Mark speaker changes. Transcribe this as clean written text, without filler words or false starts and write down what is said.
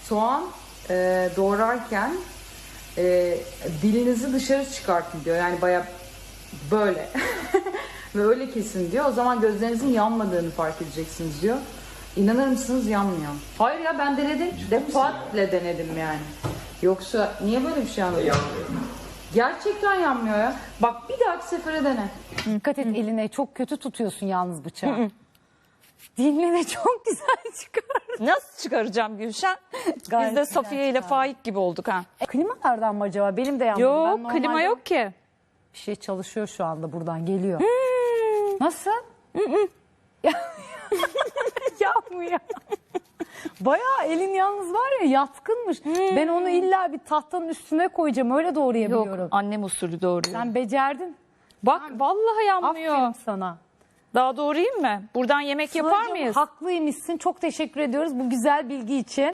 Speaker 1: soğan doğrarken dilinizi dışarı çıkartın diyor. Yani baya böyle ve öyle kesin diyor. O zaman gözlerinizin yanmadığını fark edeceksiniz diyor. İnanır mısınız, yanmıyor. Hayır ya, ben denedim. Defaatle denedim yani. Yoksa niye böyle bir şey anladın? Gerçekten yanmıyor ya. Bak bir dahaki sefere dene.
Speaker 2: Dikkat et eline, çok kötü tutuyorsun yalnız bıçağı. Dinle çok güzel çıkar.
Speaker 3: Nasıl çıkaracağım Gülşen?
Speaker 2: Gayet
Speaker 3: Biz de
Speaker 2: güzel
Speaker 3: Safiye ile
Speaker 2: çıkar.
Speaker 3: Faik gibi olduk ha.
Speaker 2: Klimalardan mı acaba? Benim de yanmadı. Ben
Speaker 3: Yok,
Speaker 2: normalde
Speaker 3: klima yok ki.
Speaker 2: Bir şey çalışıyor şu anda, buradan geliyor. Nasıl? Yapmıyor. Bayağı elin yalnız var ya, yatkınmış. Ben onu illa bir tahtanın üstüne koyacağım, öyle doğrayabiliyorum.
Speaker 3: Yok, annem usulü doğruyor.
Speaker 2: Sen becerdin.
Speaker 3: Bak vallahi yanmıyor.
Speaker 2: Aferin sana.
Speaker 3: Daha doğrayayım mı? Buradan yemek yapar
Speaker 2: Sıla'cığım,
Speaker 3: mıyız?
Speaker 2: haklıymışsın. Çok teşekkür ediyoruz bu güzel bilgi için.